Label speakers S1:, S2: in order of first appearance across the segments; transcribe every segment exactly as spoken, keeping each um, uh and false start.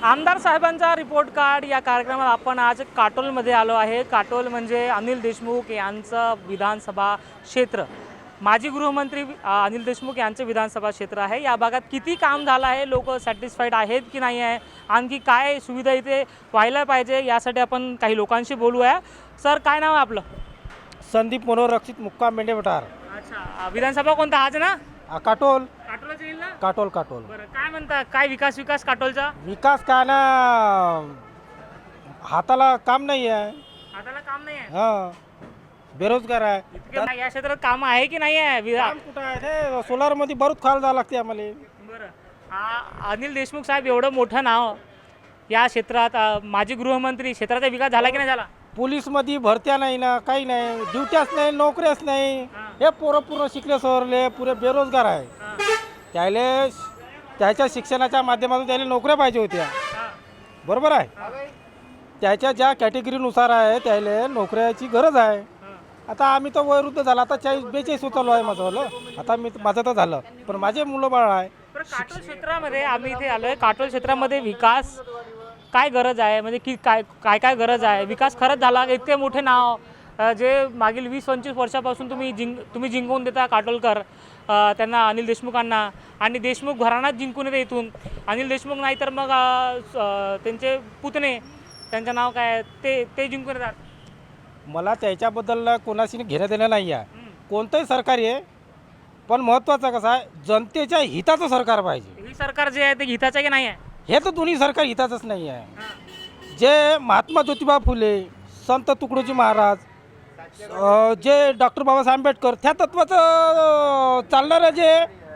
S1: आमदार साहेबांचा report card या कार्यक्रमात आपण आज काटोलमध्ये आलो आहे। काटोल म्हणजे अनिल देशमुख यांचं विधानसभा क्षेत्र, माजी गृहमंत्री अनिल देशमुख यांचे विधानसभा क्षेत्र आहे। या भागात किती काम झालं आहे, लोक सॅटिस्फाईड आहेत की नाही आहे, आणखी काय सुविधा इथे व्हायला पाहिजे यासाठी आपण काही लोकांशी बोलूया। सर, काय नाव आहे आपलं?
S2: संदीप मनोरक्षित मुक्काम मेंढे वठार।
S1: अच्छा, विधानसभा कोणता आज ना?
S2: काटोल
S1: काटोलच येईल ना?
S2: काटोल काटोल
S1: बरं, काय म्हणता, काय विकास विकास काटोलचा?
S2: विकास काय ना, हाताला काम नाही आहे।
S1: हाताला काम नाही आहे,
S2: हां, बेरोजगार आहे।
S1: इतके नाही या क्षेत्रात काम आहे की नाही आहे? विधा-
S2: काम कुठं आहे? ते सोलारमध्ये बरूच खाल जावं लागते आम्हाला।
S1: बरं, आ- अनिल देशमुख साहेब एवढं मोठं नाव या क्षेत्रात, अ, माजी गृहमंत्री, क्षेत्राचा विकास झाला की नाही झाला?
S2: पोलीसमध्ये भरत्या नाही ना, काही नाही, ड्युट्याच नाही, नोकऱ्याच नाही।
S1: हां.
S2: हे पोरं पूर्ण शिकले सवरले पुरे बेरोजगार आहे।
S1: हां,
S2: त्याले त्याच्या शिक्षणाच्या माध्यमातून त्याला नोकऱ्या पाहिजे होत्या,
S1: हां,
S2: बरोबर आहे। त्याच्या ज्या कॅटेगरीनुसार आहे त्याला नोकऱ्याची गरज आहे।
S1: हां.
S2: आता आम्ही तर वयोवृद्ध झाला, आता चाळीस बेचाळीस उचललो आहे माझं। आता मी माझं तर झालं, पण माझे मुलं बाळ आहे।
S1: बरं, काटोल क्षेत्रामध्ये आम्ही इथे आलो आहे। काटोल क्षेत्रामध्ये विकास काय गरज आहे, म्हणजे की काय काय काय गरज आहे? विकास खरंच झाला? इतके मोठे नाव अ, जे मागील वीस पंचवीस वर्षापासून तुम्ही जिंक तुम्ही जिंकवून देता काटोलकर, अ, त्यांना, अनिल देशमुखांना, आणि देशमुख घराण्यात जिंकून येते इथून। अनिल देशमुख नाही तर मग अ, स- अ, त्यांचे पुतणे, त्यांचं नाव काय आहे, ते ते जिंकून येतात।
S2: मला त्याच्याबद्दल कोणाशी घेणं देणं नाही आहे।
S1: हम्म.
S2: कोणतंही सरकार आहे, पण महत्त्वाचं कसं आहे, जनतेच्या हिताचं सरकार पाहिजे।
S1: हे सरकार जे आहे ते हिताचं की नाही आहे?
S2: हे तर दोन्ही सरकार हिताचंच नाही आहे।
S1: हां.
S2: जे महात्मा ज्योतिबा फुले, संत तुकडोजी महाराज, अ, जे डॉक्टर बाबासाहेब आंबेडकर, त्या तत्वाचं अ, चालणारं जे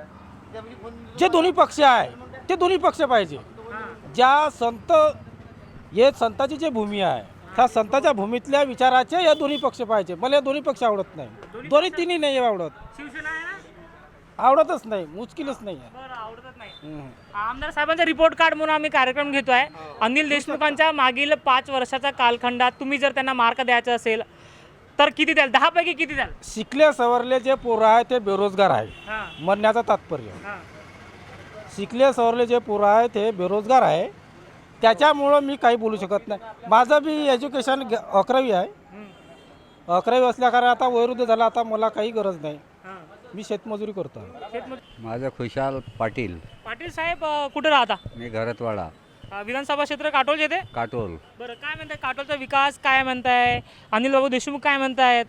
S2: जे दोन्ही पक्ष आहे ते दोन्ही पक्ष पाहिजे।
S1: हां.
S2: ज्या संत, हे संताची जे भूमी आहे, त्या संताच्या भूमीतल्या विचाराचे या दोन्ही पक्ष पाहिजे। मला या दोन्ही पक्ष आवडत नाही, दोन्ही तिन्ही नाही आवडत,
S1: शिवसेना आहे ना?
S2: आवडतच नाही, मुश्किलच नाही आहे।
S1: बरं, आवडतच नाही।
S2: हम्म.
S1: आमदार साहेबांचा रिपोर्ट कार्ड म्हणून आम्ही कार्यक्रम घेतोय। अनिल देशमुखांच्या मागील पाच वर्षाच्या कालखंडात तुम्ही जर त्यांना मार्क द्यायचा असेल तर किती द्याल? दहा पैकी किती द्याल?
S2: शिकले सवरले जे पोरं आहे ते बेरोजगार आहे,
S1: हां,
S2: म्हणण्याचं तात्पर्य।
S1: हां,
S2: शिकले सवरले जे पोरं आहे ते बेरोजगार आहे, त्याच्यामुळं मी काही बोलू शकत नाही। माझं बी एज्युकेशन ग- अकरावी आहे।
S1: हम्म,
S2: अकरावी असल्याकारण आता वयोवृद्ध झाला, आता मला काही गरज नाही,
S1: हां.
S2: मी शेतमजुरी करतो।
S1: शेतमजूर-
S3: माझं खुशाल पाटील,
S1: पाटील साहेब, अ, कुठे राहता?
S3: मी घरतवाडा,
S1: अ, विधानसभा क्षेत्र काटोल येते।
S3: काटोल.
S1: बरं, काय म्हणताय, काटोलचा विकास काय म्हणताय? अनिल बाबू देशमुख काय म्हणतायत?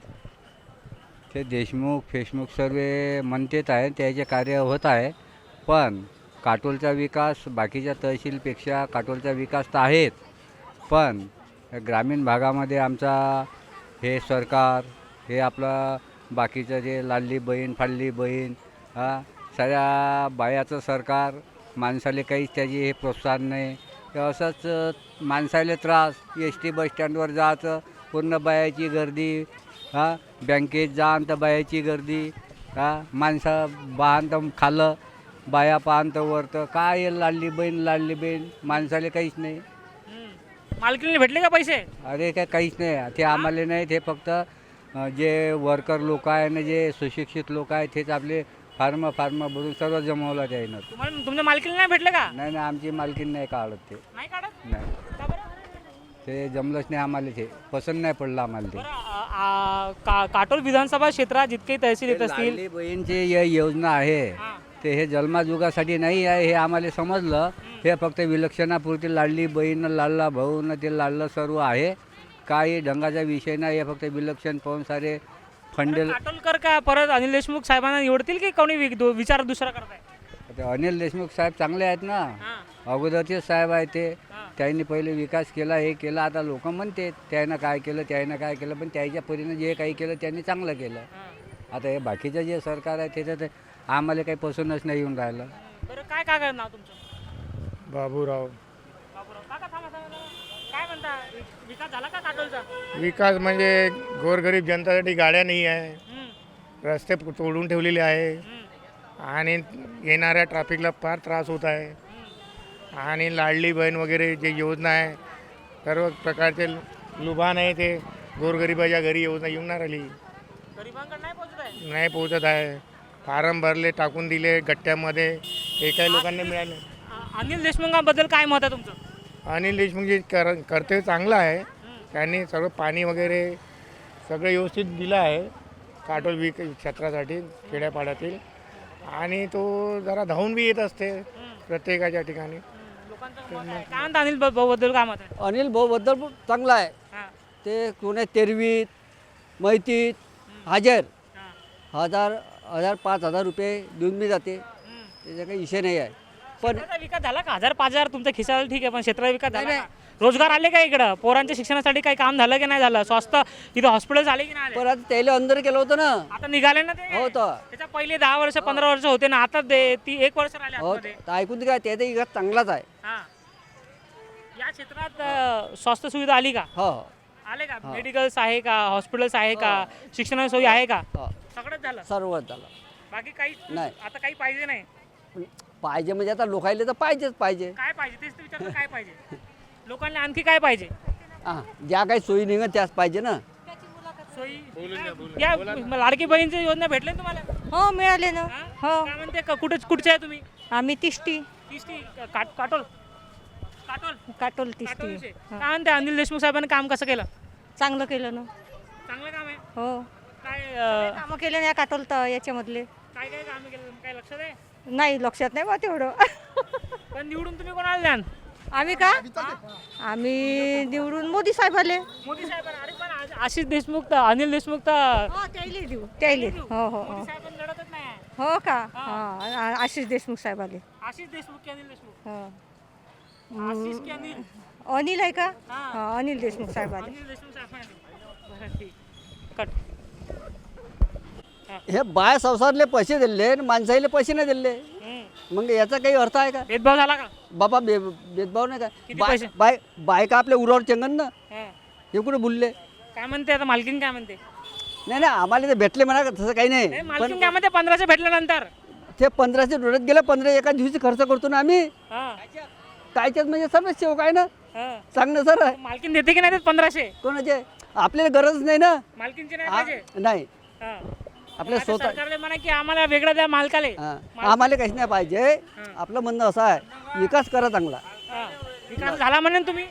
S3: ते देशमुख फेशमुख सर्व म्हणतेत आहे, त्याचे कार्य होत आहे, पण काटोलचा विकास बाकीच्या तहसीलपेक्षा काटोलचा विकास तर आहेच, पण ग्रामीण भागामध्ये आमचा हे सरकार, हे आपलं बाकीचं जे लाडली बहीण फाडली बहीण, हा सगळ्या बायाचं सरकार, माणसाले काहीच त्याची हे प्रोत्साहन नाही। हे असंच माणसाले त्रास, एस टी बसस्टँडवर जायचं पूर्ण बायाची गर्दी, हा बँकेत जाण तर बायाची गर्दी, हा माणसं बाण तर खाल्लं, बाया पाहन तर वरतं, काय हे लाडली बहीण लाडली बहीण, माणसाले काहीच नाही।
S1: हम्म. मालकीने भेटले का पैसे?
S3: अरे काय काहीच नाही, ते आम्हाला नाही, ते फक्त अ, जे वर्कर लोक आहे ना, जे सुशिक्षित लोक आहेत, तेच आपले फार्म फार्म भरून सर्व जमवलं त्यानं।
S1: तुम्हाला तुमच्या मालकीने नाही भेटले का?
S3: नाही नाही, आमची मालकीन नाही काढत ते,
S1: नाही काढत?
S3: नाही,
S1: का बरं?
S3: ते जमलंच नाही आम्हाला, ते पसंत नाही पडलं आम्हाला ते।
S1: बरं, आ- आ- का काटोल विधानसभा क्षेत्रात जितके तहसील येत असतील,
S3: लाडली बहीणची जे योजना आहे
S1: हां,
S3: ते हे जन्मजुगासाठी नाही आहे, हे आम्हाला समजलं। हे फक्त विलक्षणापुरती लाडली बहीण, लाडला भाऊ न ते लाडलं सर्व आहे, काही ढंगाचा विषय नाही, हे फक्त विलक्षण पाहून सारे फंडे।
S1: बरं, काटोलकर का परत अनिल देशमुख साहेबांना निवडतील की कोणी वि- दो- विचार दुसरा करताय?
S3: ते अनिल देशमुख साहेब चांगले आहेत ना,
S1: हां,
S3: अगोदरचे साहेब आहेत ते,
S1: हां.
S3: त्यांनी पहिले विकास केला, हे केला, आता लोक म्हणते त्यानं काय केलं त्यानं काय केलं, पण त्याच्या परीनं जे काही केलं त्यांनी चांगलं केलं।
S1: हां.
S3: आता हे बाकीचं जे सरकार आहे त्याच्यात आम्हाला काही पसंतच नाही येऊन राहिलं।
S1: बरं, काय काय करणार नाव तुमचं?
S4: बाबूराव.
S1: बाबूराव, काका थांबा थांबा थांबा. काय म्हणता, वि- विकास झाला का काटोलचा?
S4: विकास म्हणजे गोरगरीब जनतासाठी गाड्या नाही आहे,
S1: हम्म,
S4: रस्ते तोडून ठेवलेले आहे,
S1: हम्म,
S4: आणि येणाऱ्या ट्रॅफिकला फार त्रास होत आहे,
S1: हम्म.
S4: आणि लाडली बहीण वगैरे जे योजना आहे, सर्व प्रकारचे लुभान आहे, ते गोरगरिबाच्या घरी योजना येऊन नाही राहिली,
S1: गरिबांकडे नाही पोहोचत आहे.
S4: नाही पोहोचत आहे। फारम भरले, टाकून दिले गट्ट्यामध्ये, एकाही लोकांना मिळाले.
S1: अ- अनिल देशमुखांबद्दल काय मत आहे तुमचं?
S4: अनिल देशमुख जे कर कर्तव्य चांगलं आहे. त्यांनी सर्व पाणी वगैरे सगळं व्यवस्थित दिलं आहे काटोल विक क्षेत्रासाठी खेड्यापाड्यातील. आणि तो जरा धावून बी येत असते प्रत्येकाच्या ठिकाणी.
S1: लोकांचं मत आहे. काय म्हणता अनिल भाऊ बद्दल काय मत आहे?
S5: अनिल भाऊबद्दल चांगला आहे.
S1: हां,
S5: ते कोणी तेरवीत मैतीत हजर
S1: हां.
S5: हजार हजार पाच हजार रुपये देऊन मी जाते.
S1: हम्म.
S5: त्याचा काही विषय नाही आहे. पण
S1: क्षेत्राचा विकास झाला का? हजार पाच हजार तुमच्या खिशाला ठीक आहे, पण क्षेत्राचा विकास झाला का? रोजगार आले का इकडं? पोरांच्या शिक्षणासाठी काही काम झालं की नाही झालं? स्वस्त इथं हॉस्पिटल झाले की नाही आले?
S5: पण आता त्याला अंदर केलं होतं ना.
S1: आता निघाले ना ते.
S5: हो तर
S1: त्याच्या पहिले दहा वर्ष पंधरा वर्ष होते ना, आता ते ती एक वर्ष राहिले
S5: हो
S1: आतमध्ये.
S5: तर ऐकून काय त्याचा विकास चांगलाच आहे.
S1: हां. या क्षेत्रात अं, स्वास्थ्य सुविधा आली का?
S5: हो हो
S1: आले का? मेडिकल्स आहे का? हॉस्पिटल्स आहे का? शिक्षणाची सोयी आहे का?
S5: हो
S1: सगळंच झालं.
S5: सर्वच झालं.
S1: बाकी काही
S5: नाही.
S1: आता काही पाहिजे नाही.
S5: पण पाहिजे म्हणजे आता लोकायला तर पाहिजेच पाहिजे.
S1: काय पाहिजे तेच तर विचारलं, काय पाहिजे लोकांना? आणखी काय पाहिजे?
S5: हां ज्या काही सोयी निघत त्याच पाहिजे ना.
S1: सोयी या लाडकी बहीणची योजना भेटले ना तुम्हाला?
S6: हो मिळाले ना.
S1: हां?
S6: हो
S1: काय म्हणते क- कुठे कुठचे आहे तुम्ही?
S6: आम्ही तिष्टी
S1: तिष्टी काट काटोल काटोल
S6: काटोल
S1: काटोल
S6: तिष्टी
S1: विषय. काय म्हणते अनिल देशमुख साहेबांनी काम कसं केलं?
S6: चांगलं केलं ना.
S1: चांगलं काम आहे.
S6: हो
S1: काय अं,
S6: कामं केले ना या काटोल तर याच्यामधले.
S1: काय काय काम केलं काय लक्षात आहे?
S6: नाही लक्षात नाही बा तेवढं.
S1: पण निवडून तुम्ही कोणाला द्याल?
S6: आम्ही का आम्ही निवडून मोदी साहेब आले.
S1: मोदी साहेबांना. अरे पण आज- आशिष देशमुख तर अनिल देशमुख तर
S6: हो त्याले देऊ त्याले. हो हो हो
S1: मोदी साहेबांना लढतच नाही आहे.
S6: हो का हा आशिष देशमुख साहेब आले.
S1: आशिष देशमुख की अनिल देशमुख?
S6: हो
S1: आशिष की अनिल?
S6: अनिल आहे का?
S1: हां.
S6: हा अनिल देशमुख साहेब आले.
S1: अनिल देशमुख साहेबांना. बरं, ठीक. कट.
S5: हे बाय संसारले पैसे दिले आणि माणसाईले पैसे नाही दिले.
S1: हम्म.
S5: मग याचा काही अर्थ आहे का?
S1: भेदभाव झाला का?
S5: बाबा बे भेदभाव नाही
S1: किती
S5: का? बाय
S1: पैसे?
S5: बाय बायका आपल्या उरावर चंगन ना.
S1: हां.
S5: हे कुठे बोलले?
S1: काय म्हणते आता मालकीन? काय म्हणते?
S5: नाही नाही आम्हाला ते भेटले म्हणा का तसं काही
S1: नाही,
S5: नाही.
S1: मालकीन
S5: पण
S1: काय म्हणते? पंधराशे भेटल्यानंतर
S5: ते पंधराशे डोळ्यात गेलं पंधरा एका दिवशी खर्च करतो ना आम्ही.
S1: हां,
S5: कायच्यात म्हणजे सर्वच सेवक आहे ना.
S1: हां.
S5: सांगणं सर
S1: मालकीन देते की नाही देत पंधराशे?
S5: कोणाचे आपल्याला गरज नाही ना.
S1: मालकीनचे नाही
S5: आ-
S1: पाहिजे?
S5: नाही
S1: हां.
S5: आपल्या
S1: आता
S5: स्वतः
S1: सरकारने म्हणा की आम्हाला वेगळं द्या मालकाले.
S5: हा. आम्हाला काहीच नाही पाहिजे. आपलं म्हणणं असं आहे विकास करा चांगला.
S1: हां. विकास झाला म्हणेन तुम्ही?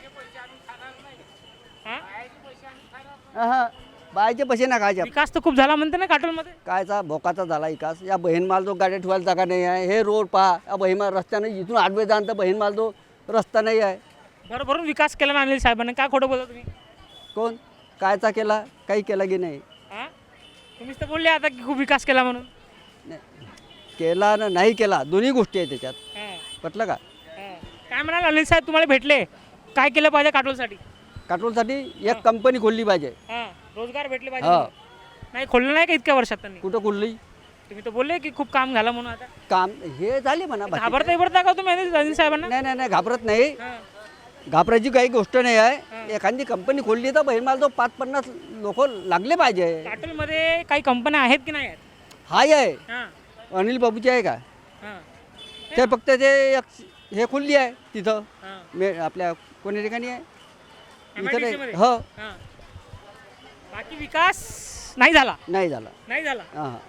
S1: हां?
S5: हा बायचे पैसे ना खायचे.
S1: विकास तर खूप झाला म्हणते ना काटोलमध्ये.
S5: कायचा भोकाचा झाला विकास. या बहीणमाल जो गाड्या ठेवायला जागा नाही आहे. हे रोड पहा या बहीणमाल रस्त्याने इथून आडवे जाण तर बहीणमाल जो रस्ता नाही आहे.
S1: बरोबरून विकास केला ना अनिल साहेबांनी. काय खोटं बोलता तुम्ही?
S5: कोण कायचा केला काही केला की नाही.
S1: हां? तुम्हीच तर बोलले आता की खूप विकास केला म्हणून.
S5: नाही. केला ना नाही केला दोन्ही गोष्टी आहेत त्याच्यात.
S1: हां,
S5: पटलं का?
S1: हां. काय म्हणाल अनिल साहेब तुम्हाला भेटले? काय केलं पाहिजे काटोलसाठी?
S5: काटोलसाठी एक कंपनी खोलली पाहिजे.
S1: हां, रोजगार भेटले
S5: हा.
S1: पाहिजे. नाही खोललं नाही का इतक्या वर्षात त्यांनी?
S5: कुठं खोलली
S1: तुम्ही तर बोलले की खूप काम झालं म्हणून. आता
S5: काम हे झाले म्हणा बाकी.
S1: घाबरता इबरता का तुम्ही अनिल अनिल साहेबांना?
S5: नाही नाही नाही घाबरत नाही.
S1: हां.
S5: घाबरायची काही गोष्ट नाही आहे. एखादी कंपनी खोलली तर बहीणमाल जो पाच पन्नास लोक लागले पाहिजे.
S1: काटोलमध्ये काही कंपन्या आहेत की नाही आहेत?
S5: हाय आहे
S1: हां,
S5: अनिल बाबूची आहे का?
S1: हां,
S5: ते फक्त ते एक हे खुलली आहे तिथं
S1: हां.
S5: मे आपल्या कोणी ठिकाणी आहे
S1: एम आय
S5: इथं
S1: डी सी
S5: नाही.
S1: मध्ये?
S5: हो
S1: हां. बाकी विकास नाही झाला.
S5: नाही झाला.
S1: नाही झाला.
S5: हां